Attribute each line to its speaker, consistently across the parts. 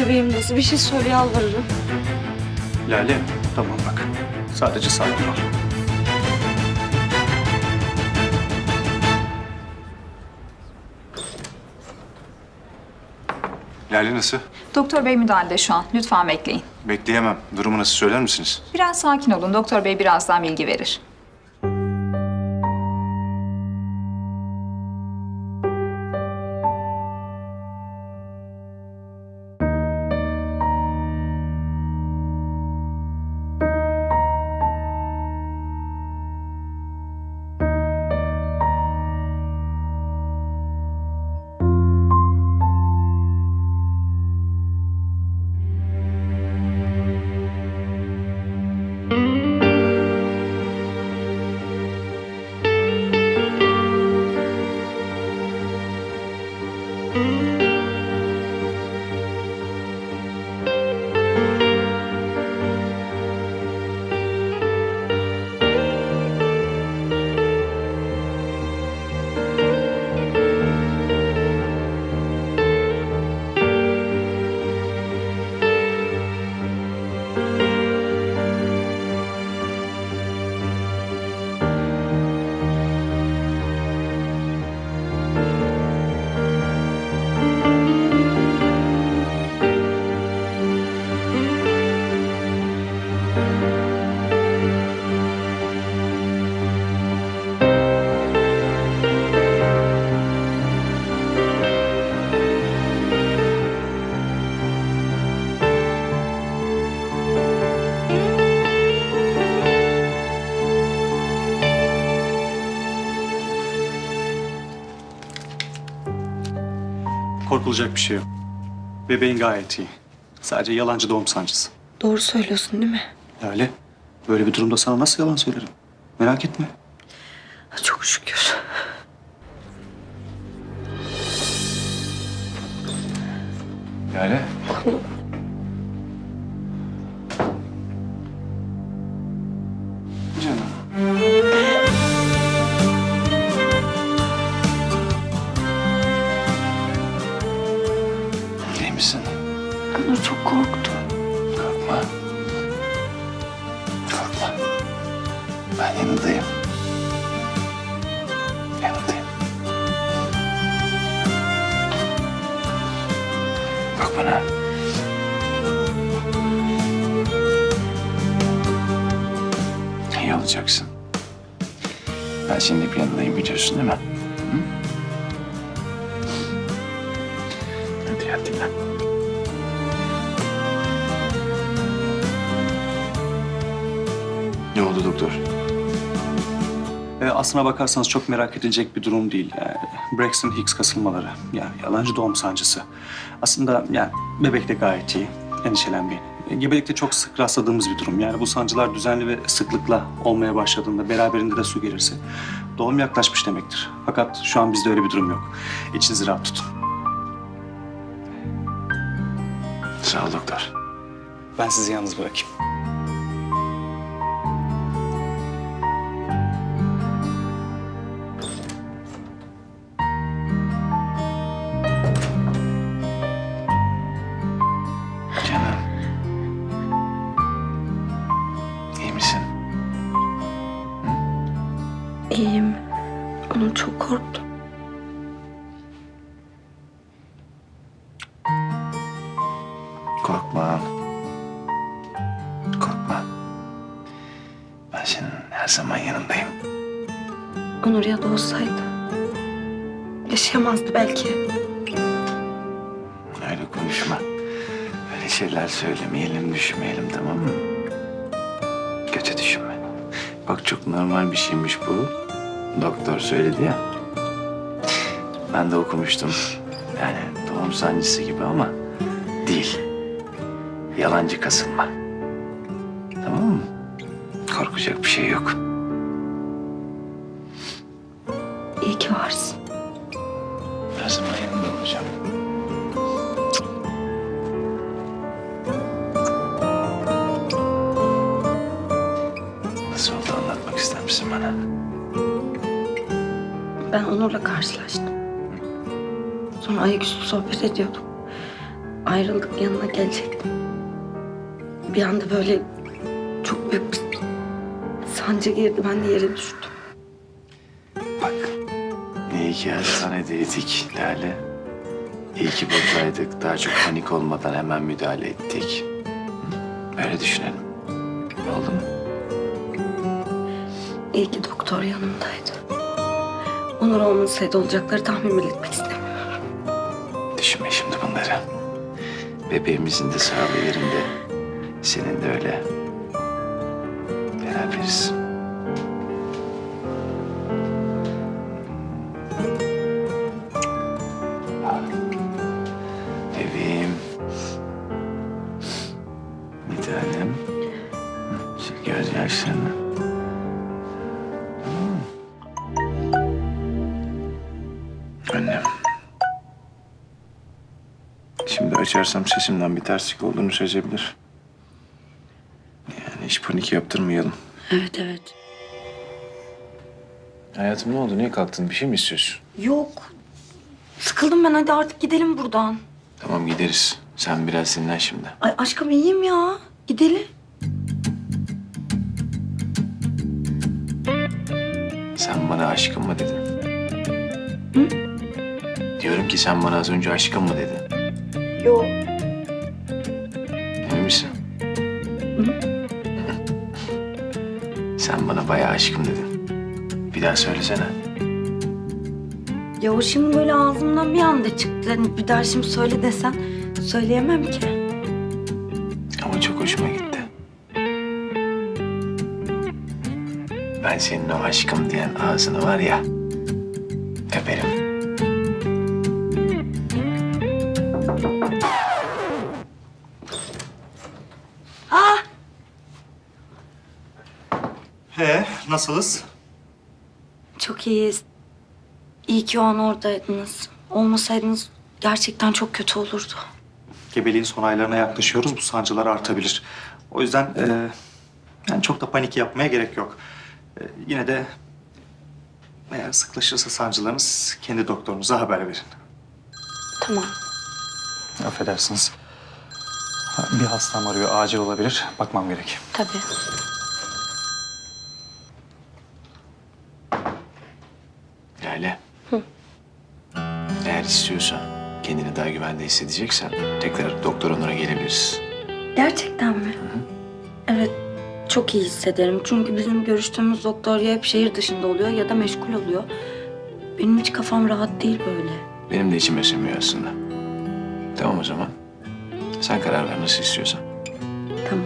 Speaker 1: bebeğim nasıl? Bir şey söyle, yalvarırım.
Speaker 2: Lale, tamam bak. Sadece sakin ol.
Speaker 3: Lale nasıl?
Speaker 4: Doktor bey müdahalede şu an. Lütfen bekleyin.
Speaker 3: Bekleyemem. Durumu nasıl söyler misiniz?
Speaker 4: Biraz sakin olun. Doktor bey birazdan bilgi verir.
Speaker 2: Korkulacak bir şey yok. Bebeğin gayet iyi. Sadece yalancı doğum sancısı.
Speaker 1: Doğru söylüyorsun değil mi?
Speaker 2: Lale, böyle bir durumda sana nasıl yalan söylerim? Merak etme.
Speaker 1: Çok şükür.
Speaker 3: Lale. Canım. İyi misin?
Speaker 1: Onur çok korktu.
Speaker 3: Korkma. Korkma. Ben yanındayım. Yanındayım. Bak bana. İyi olacaksın. Ben senin hep yanındayım biliyorsun değil mi? Hı? Hadi yat dinlen. Ne oldu doktor?
Speaker 2: Aslına bakarsanız çok merak edilecek bir durum değil. Yani Braxton Hicks kasılmaları. Yani yalancı doğum sancısı. Aslında yani bebek de gayet iyi. Endişelenmeyin. Gebelikte çok sık rastladığımız bir durum. Yani bu sancılar düzenli ve sıklıkla olmaya başladığında, beraberinde de su gelirse doğum yaklaşmış demektir. Fakat şu an bizde öyle bir durum yok. İçinizi rahat tutun.
Speaker 3: Sağ ol doktor.
Speaker 2: Ben sizi yalnız bırakayım.
Speaker 3: Canım. İyi misin?
Speaker 1: İyiyim. Onur çok korktu.
Speaker 3: Korkma. Korkma. Ben senin her zaman yanındayım.
Speaker 1: Onur ya da olsaydı yaşayamazdı belki.
Speaker 3: Öyle konuşma. Öyle şeyler söylemeyelim, düşünmeyelim tamam mı? Kötü düşünme. Bak çok normal bir şeymiş bu. Doktor söyledi ya. Ben de okumuştum. Yani doğum sancısı gibi ama değil. Yalancı kasılma. Tamam mı? Korkacak bir şey yok.
Speaker 1: İyi ki varsın.
Speaker 3: Her zaman yanında olacağım. Nasıl oldu anlatmak ister misin bana?
Speaker 1: Ben Onur'la karşılaştım. Sonra ayaküstü sohbet ediyorduk. ayrıldık, yanına gelecektim. Bir anda böyle çok büyük bir sancı girdi. Ben de yere düştüm.
Speaker 3: Bak, iyi ki hastanedeydik Lale. İyi ki buradaydık. Daha çok panik olmadan hemen müdahale ettik. Hı? Öyle düşünelim. Oldu mu?
Speaker 1: İyi ki doktor yanımdaydı. Onur olmasaydı olacakları tahmin bile etmek istemiyorum.
Speaker 3: Düşünme şimdi bunları. Bebeğimizin de sağlığı yerinde. Senin de öyle. Beraberiz. Bebeğim. Bir tanem. Sil gözyaşlarını. Annem. Şimdi açarsam sesimden bir terslik olduğunu sezebilir. Yani hiç panik yaptırmayalım.
Speaker 1: Evet, evet.
Speaker 3: Hayatım ne oldu? Niye kalktın? Bir şey mi istiyorsun?
Speaker 1: Yok. Sıkıldım ben. Hadi artık gidelim buradan.
Speaker 3: Tamam gideriz. Sen biraz dinlen şimdi.
Speaker 1: Ay aşkım iyiyim ya. Gidelim.
Speaker 3: Sen bana aşkım mı dedin?
Speaker 1: Hı?
Speaker 3: Diyorum ki sen bana az önce aşkım mı dedin?
Speaker 1: Yok.
Speaker 3: Emin misin? Sen bana bayağı aşkım dedin. Bir daha söylesene.
Speaker 1: Ya o şimdi böyle ağzımdan bir anda çıktı. Hani bir daha şimdi söyle desen söyleyemem ki.
Speaker 3: Ama çok hoşuma gitti. Ben senin o aşkım diyen ağzını var ya, öperim.
Speaker 2: Nasılız?
Speaker 1: Çok iyiyiz. İyi ki o an oradaydınız. Olmasaydınız gerçekten çok kötü olurdu.
Speaker 2: Gebeliğin son aylarına yaklaşıyoruz. Bu sancılar artabilir. O yüzden yani çok da panik yapmaya gerek yok. Yine de eğer sıklaşırsa sancılarınız kendi doktorunuza haber verin.
Speaker 1: Tamam.
Speaker 2: Affedersiniz. Bir hastam arıyor. Acil olabilir. Bakmam gerek.
Speaker 1: Tabii.
Speaker 3: Lale. Eğer istiyorsan, kendini daha güvende hissedeceksen tekrar doktor Onur'a gelebiliriz.
Speaker 1: Gerçekten mi? Evet. Çok iyi hissederim. Çünkü bizim görüştüğümüz doktor ya hep şehir dışında oluyor ya da meşgul oluyor. Benim hiç kafam rahat değil böyle.
Speaker 3: Benim de içime sinmiyor aslında. Tamam o zaman. Sen karar ver nasıl istiyorsan.
Speaker 1: Tamam.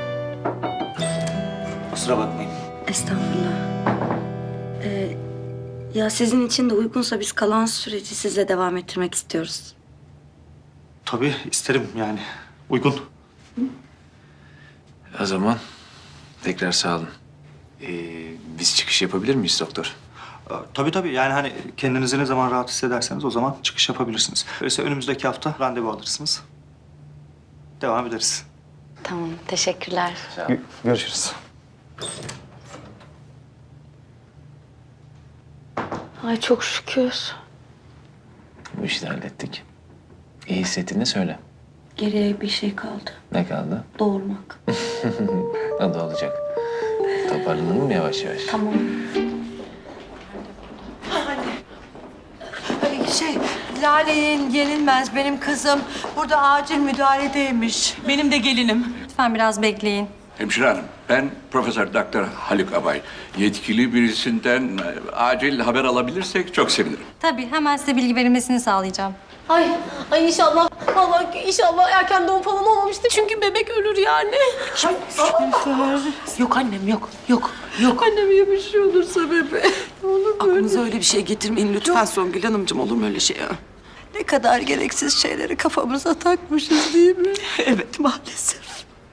Speaker 2: Kusura bakmayın.
Speaker 1: Estağfurullah. Ya sizin için de uygunsa biz kalan süreci sizle devam ettirmek istiyoruz.
Speaker 2: Tabii isterim yani. Uygun.
Speaker 3: O zaman tekrar sağ olun. Biz çıkış yapabilir miyiz doktor?
Speaker 2: Tabii yani hani kendinizi ne zaman rahat hissederseniz o zaman çıkış yapabilirsiniz. Öyleyse önümüzdeki hafta randevu alırsınız. Devam ederiz.
Speaker 1: Tamam. Teşekkürler.
Speaker 2: Görüşürüz.
Speaker 1: Ay çok şükür.
Speaker 3: Bu işi de hallettik. İyi hissettiğini söyle.
Speaker 1: Geriye bir şey kaldı.
Speaker 3: Ne kaldı?
Speaker 1: Doğurmak.
Speaker 3: O da olacak. Toparlanalım mı yavaş yavaş?
Speaker 1: Tamam.
Speaker 5: Lale'nin yenilmez benim kızım. Burada acil müdahaledeymiş.
Speaker 6: Benim de gelinim.
Speaker 7: Lütfen biraz bekleyin.
Speaker 8: Hemşire hanım, ben Profesör Doktor Haluk Abay. Yetkili birisinden acil haber alabilirsek çok sevinirim.
Speaker 7: Tabii hemen size bilgi verilmesini sağlayacağım.
Speaker 6: Ay inşallah. Allah inşallah erken doğum falan olmamıştır. Çünkü bebek ölür yani.
Speaker 5: Yok annem yok. Yok.
Speaker 6: Anneme bir şey olursa bebe. Olur böyle.
Speaker 5: Aklınıza öyle bir şey getirmeyin lütfen Songül Hanımcığım. Olur mu öyle şey ya?
Speaker 6: Ne kadar gereksiz şeyleri kafamıza takmışız değil mi?
Speaker 5: Evet maalesef.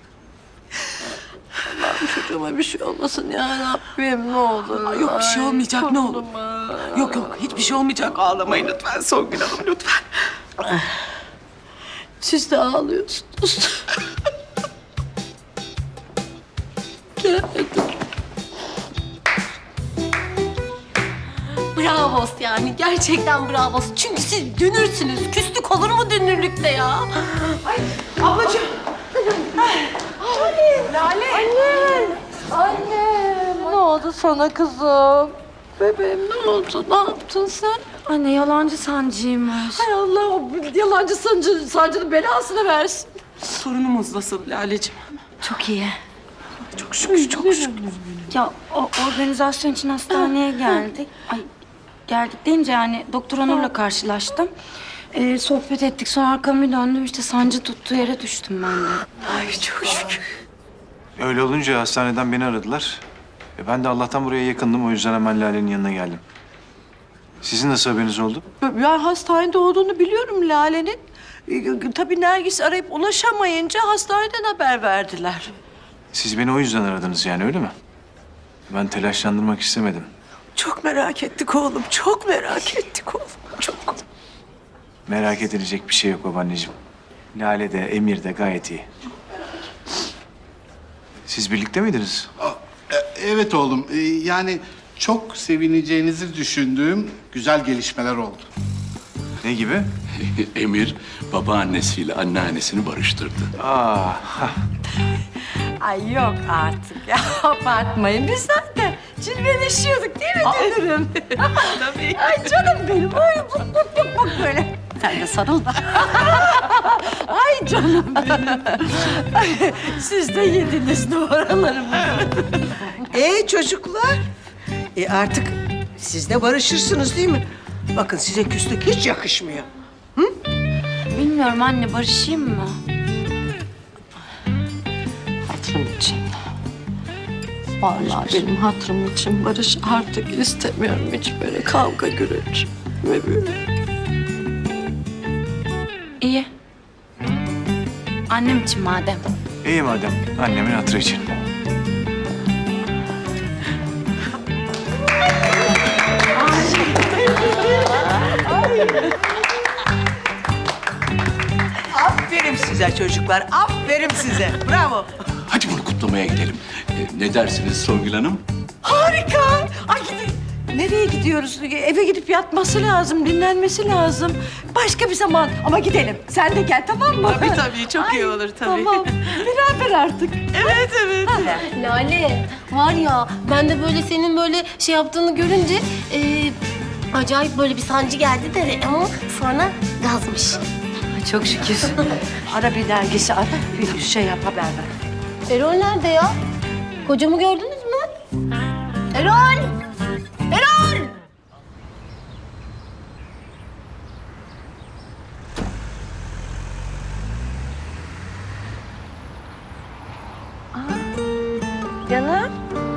Speaker 6: Allah'ım çocuğuma bir şey olmasın ya Rabbim ne olur.
Speaker 5: Ay, yok bir şey olmayacak, ne olur.
Speaker 6: Korkma.
Speaker 5: Yok hiçbir şey olmayacak. Ağlamayın lütfen Songül Hanım lütfen.
Speaker 6: Siz de ağlıyorsunuz. Gel.
Speaker 5: Bravo.
Speaker 6: bravos yani. Gerçekten bravos. Çünkü siz dünürsünüz. Küslük olur mu dünürlükte ya?
Speaker 5: Ablacığım.
Speaker 6: Anne, ne oldu sana kızım? Bebeğim ne oldu? Ne yaptın sen?
Speaker 1: Anne yalancı sancıymış.
Speaker 6: Hay Allah, yalancı sancının belasını versin.
Speaker 5: Sorunumuz nasıl Laleciğim?
Speaker 1: Çok iyi.
Speaker 5: Çok şükür, çok şükür.
Speaker 1: Ya o organizasyon için hastaneye geldik. Ay geldik deyince yani Doktor Onur'la karşılaştım. Sohbet ettik, sonra arkamı bir döndüm, işte sancı tuttuğu yere düştüm ben de.
Speaker 5: Ay çok şükür.
Speaker 9: Öyle olunca hastaneden beni aradılar. Ben de Allah'tan buraya yakındım. O yüzden hemen Lale'nin yanına geldim. Sizin nasıl haberiniz oldu?
Speaker 5: Ben hastanede olduğunu biliyorum Lale'nin. Tabii Nergis arayıp ulaşamayınca hastaneden haber verdiler.
Speaker 9: Siz beni o yüzden aradınız yani öyle mi? Ben telaşlandırmak istemedim.
Speaker 5: Çok merak ettik oğlum, çok merak ettik oğlum. Çok.
Speaker 9: Merak edilecek bir şey yok babaanneciğim. Lale de Emir de gayet iyi. Siz birlikte miydiniz?
Speaker 10: Evet oğlum. Yani çok sevineceğinizi düşündüğüm güzel gelişmeler oldu.
Speaker 9: Ne gibi?
Speaker 8: Emir babaannesiyle anneannesini barıştırdı.
Speaker 6: Ay yok artık ya. Abartmayın. Biz zaten cilveleşiyorduk değil mi dünürüm? Tabii. Ay canım benim. Ay bak böyle. Sen de sarıl da. Ay canım benim. Ay, siz de yediniz numaralarımı.
Speaker 11: Çocuklar, artık siz de barışırsınız değil mi? Bakın size küslük hiç yakışmıyor.
Speaker 1: Bilmiyorum anne, barışayım mı?
Speaker 6: Hatırım için. Vallahi benim hatırım için barış artık istemiyorum hiç böyle kavga gürültü ve böyle.
Speaker 1: İyi. Annem için madem.
Speaker 9: İyi madem. Annemin hatırı için.
Speaker 11: Aferin size çocuklar, aferin size. Bravo.
Speaker 8: Hadi bunu kutlamaya gidelim. Ne dersiniz Songül Hanım?
Speaker 6: Harika. Ay gidin. Nereye gidiyoruz? Eve gidip yatması lazım, dinlenmesi lazım. Başka bir zaman ama gidelim. Sen de gel tamam mı?
Speaker 5: Tabii çok iyi olur tabii.
Speaker 6: Tamam. Beraber artık.
Speaker 5: Evet, evet.
Speaker 6: Lale var ya ben de böyle senin böyle şey yaptığını görünce acayip böyle bir sancı geldi de ama sonra gazmış.
Speaker 1: Çok şükür.
Speaker 6: Ara bir dergisi ara. Bir şey yap haber ver.
Speaker 12: Erol nerede ya? Kocamı gördünüz mü? Erol! Erol!
Speaker 1: Canım.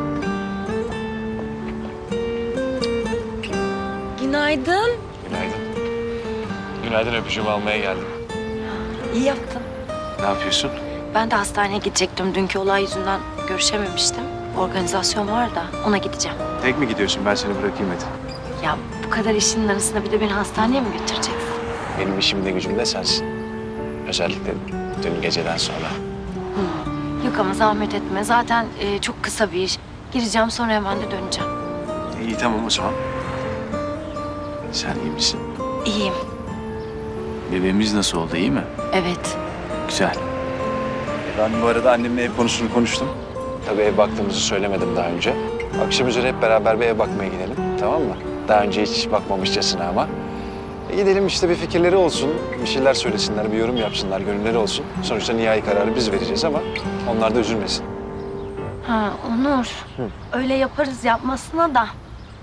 Speaker 1: Günaydın.
Speaker 9: Günaydın. Günaydın, öpücüğümü almaya geldim.
Speaker 1: İyi yaptın.
Speaker 9: Ne yapıyorsun?
Speaker 1: Ben de hastaneye gidecektim. Dünkü olay yüzünden görüşememiştim. Organizasyon var da ona gideceğim.
Speaker 9: Tek mi gidiyorsun? Ben seni bırakayım hadi.
Speaker 1: Ya bu kadar işin arasında bir de beni hastaneye mi götüreceksin?
Speaker 9: Benim işimde gücümde sensin. Özellikle dün geceden sonra.
Speaker 1: Yok ama zahmet etme. Zaten çok kısa bir iş. Gireceğim sonra hemen de döneceğim.
Speaker 9: İyi tamam o zaman. Sen iyi misin?
Speaker 1: İyiyim.
Speaker 9: Bebeğimiz nasıl oldu, iyi mi?
Speaker 1: Evet.
Speaker 9: Güzel. Ben bu arada annemle ev konusunu konuştum. Tabii ev baktığımızı söylemedim daha önce. Akşam üzere hep beraber bir ev bakmaya gidelim, tamam mı? Daha önce hiç bakmamışçasına ama. Gidelim işte, bir fikirleri olsun, bir şeyler söylesinler, bir yorum yapsınlar, gönülleri olsun. Sonuçta nihai kararı biz vereceğiz ama onlar da üzülmesin.
Speaker 1: Ha Onur. Öyle yaparız yapmasına da.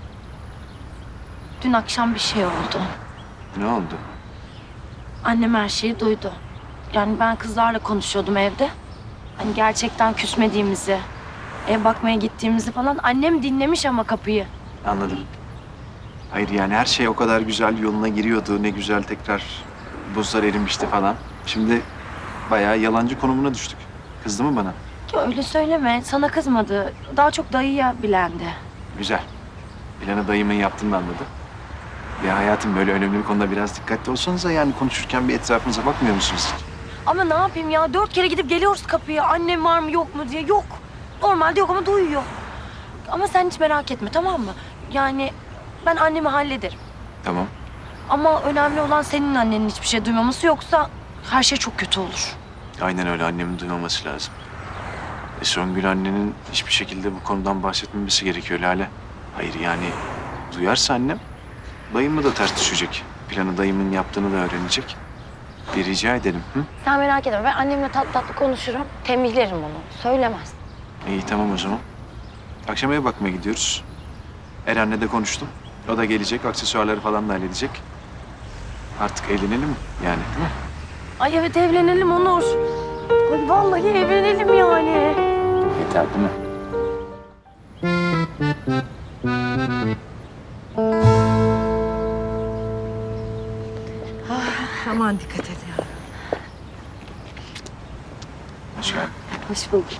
Speaker 1: Dün akşam bir şey oldu.
Speaker 9: Ne oldu?
Speaker 1: Annem her şeyi duydu. Yani ben kızlarla konuşuyordum evde. Hani gerçekten küsmediğimizi, ev bakmaya gittiğimizi falan. Annem dinlemiş ama kapıyı.
Speaker 9: Anladım. Hayır yani her şey o kadar güzel yoluna giriyordu. Ne güzel tekrar buzlar erimişti falan. Şimdi bayağı yalancı konumuna düştük. Kızdı mı bana?
Speaker 1: Ya öyle söyleme. Sana kızmadı. Daha çok dayıya bilendi.
Speaker 9: Güzel. Planı dayımın yaptığını anladı. Ya hayatım, böyle önemli bir konuda biraz dikkatli olsanıza, yani konuşurken bir etrafınıza bakmıyor musunuz?
Speaker 1: Ama ne yapayım ya? 4 kere gidip geliyoruz kapıya. Annem var mı yok mu diye. Yok. Normalde yok ama duyuyor. Ama sen hiç merak etme tamam mı? Yani ben annemi hallederim.
Speaker 9: Tamam.
Speaker 1: Ama önemli olan senin annenin hiçbir şey duymaması, yoksa her şey çok kötü olur.
Speaker 9: Aynen öyle, annemin duymaması lazım. Songül annenin hiçbir şekilde bu konudan bahsetmemesi gerekiyor Lale. Hayır yani duyarsa annem dayımla da ters düşecek. Planı dayımın yaptığını da öğrenecek. Bir rica edelim. Hı?
Speaker 12: Sen merak etme, ben annemle tatlı tatlı konuşurum. Tembihlerim onu. Söylemez.
Speaker 9: İyi tamam o zaman. Akşam eve bakmaya gidiyoruz. Eren'le de konuştum. O da gelecek, aksesuarları falan da halledecek. Artık evlenelim yani değil mi?
Speaker 1: Ay evet, evlenelim Onur. Ay vallahi evlenelim yani.
Speaker 9: Yeter değil mi?
Speaker 11: Aman dikkat et ya.
Speaker 9: Hoş geldin.
Speaker 11: Hoş bulduk.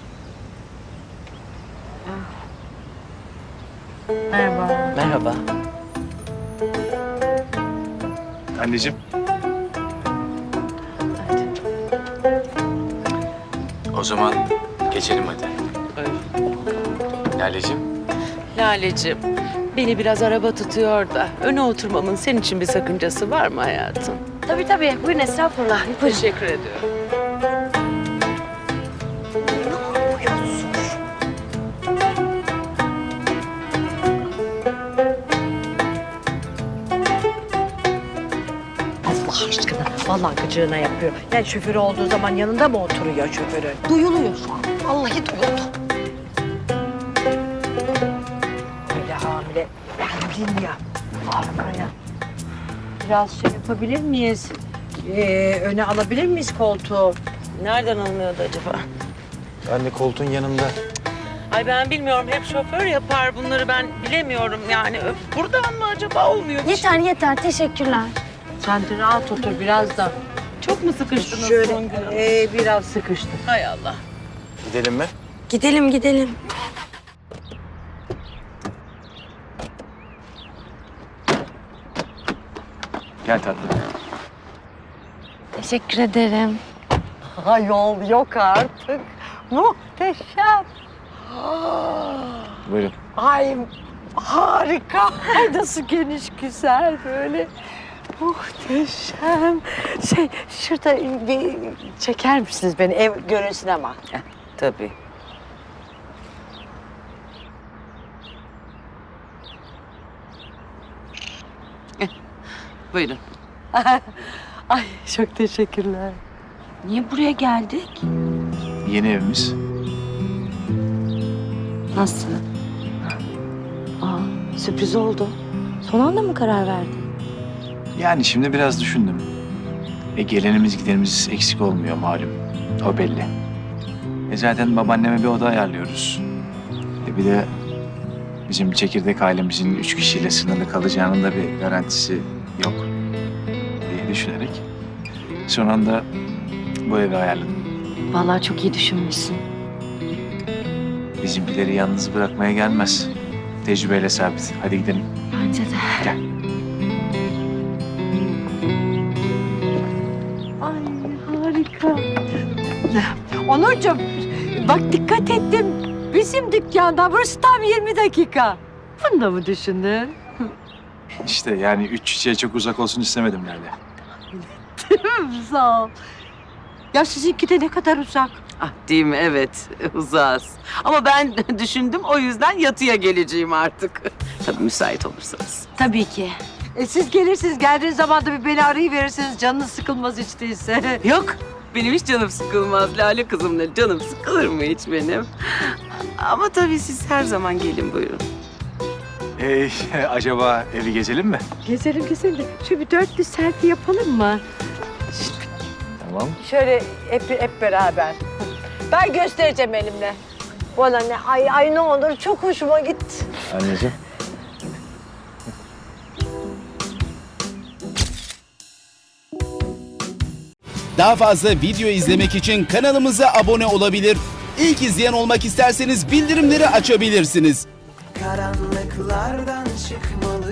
Speaker 11: Merhaba.
Speaker 3: Merhaba.
Speaker 9: Anneciğim. O zaman geçelim hadi. Laleciğim.
Speaker 5: Laleciğim, beni biraz araba tutuyor da öne oturmamın senin için bir sakıncası var mı hayatım?
Speaker 1: Tabii tabii, buyurun estağfurullah.
Speaker 5: Teşekkür ediyorum. Allah aşkına, vallahi gıcığına yapıyor. Yani şoförü olduğu zaman yanında mı oturuyor şoförü?
Speaker 12: Duyuluyor şu an. Vallahi duyuldu.
Speaker 5: Öyle hamile. Bildin ya. Arkaya. Biraz şey yapabilir miyiz? Öne alabilir miyiz koltuğu? Nereden alınıyordu acaba?
Speaker 9: Anne koltuğun yanında.
Speaker 5: Ay ben bilmiyorum. Hep şoför yapar bunları, ben bilemiyorum yani. Buradan mı acaba, olmuyor?
Speaker 12: Yeter yeter, teşekkürler.
Speaker 5: Sen de rahat otur biraz da. Çok mu sıkıştınız son gün? Biraz sıkıştık. Hay Allah.
Speaker 9: Gidelim mi?
Speaker 1: Gidelim gidelim.
Speaker 9: Gel tatlım.
Speaker 12: Teşekkür ederim.
Speaker 11: Yol yok artık. Muhteşem.
Speaker 9: Buyurun.
Speaker 11: Ay harika. Ay nasıl geniş, güzel böyle. Muhteşem. Şurada bir çeker misiniz beni? Ev görünsün ama.
Speaker 5: Tabii. Buyurun.
Speaker 11: Ay çok teşekkürler.
Speaker 1: Niye buraya geldik?
Speaker 9: Yeni evimiz.
Speaker 1: Nasıl? Sürpriz oldu. Son anda mı karar verdin?
Speaker 9: Yani şimdi biraz düşündüm. Gelenimiz gidenimiz eksik olmuyor malum. O belli. Zaten babaanneme bir oda ayarlıyoruz. Bir de bizim çekirdek ailemizin 3 kişiyle sınırlı kalacağının da bir garantisi yok diye düşünerek son anda bu evi ayarladım.
Speaker 1: Vallahi çok iyi düşünmüşsün.
Speaker 9: Bizimkileri yalnız bırakmaya gelmez. Tecrübeyle sabit. Hadi gidelim.
Speaker 1: Bence de.
Speaker 9: Gel.
Speaker 11: Ay harika. Onurcuğum bak dikkat ettim. Bizim dükkanda burası tam 20 dakika. Bunu da mı düşündün?
Speaker 9: İşte yani 3 çiçeğe çok uzak olsun istemedim Lale.
Speaker 11: Sağ ol. Ya sizinki de ne kadar uzak.
Speaker 5: Ah değil mi? Evet, uzağız. Ama ben düşündüm, o yüzden yatıya geleceğim artık. Tabii müsait olursanız.
Speaker 1: Tabii ki.
Speaker 11: Siz gelirsiniz, geldiğiniz zaman da bir beni arayıverirsiniz. Canınız sıkılmaz hiç değilse.
Speaker 5: Yok, benim hiç canım sıkılmaz Lale kızımla. Canım sıkılır mı hiç benim? Ama tabii siz her zaman gelin, buyurun.
Speaker 9: Acaba evi gezelim mi?
Speaker 11: Gezelim gezelim. Şu bir dörtlü selfie yapalım mı?
Speaker 9: Tamam.
Speaker 11: Şöyle hep beraber. Ben göstereceğim elimle. Bana ne? Ay ne olur çok hoşuma gitti.
Speaker 9: Anneciğim.
Speaker 13: Daha fazla video izlemek için kanalımıza abone olabilir. İlk izleyen olmak isterseniz bildirimleri açabilirsiniz.
Speaker 14: Karanlıklardan çıkmalı.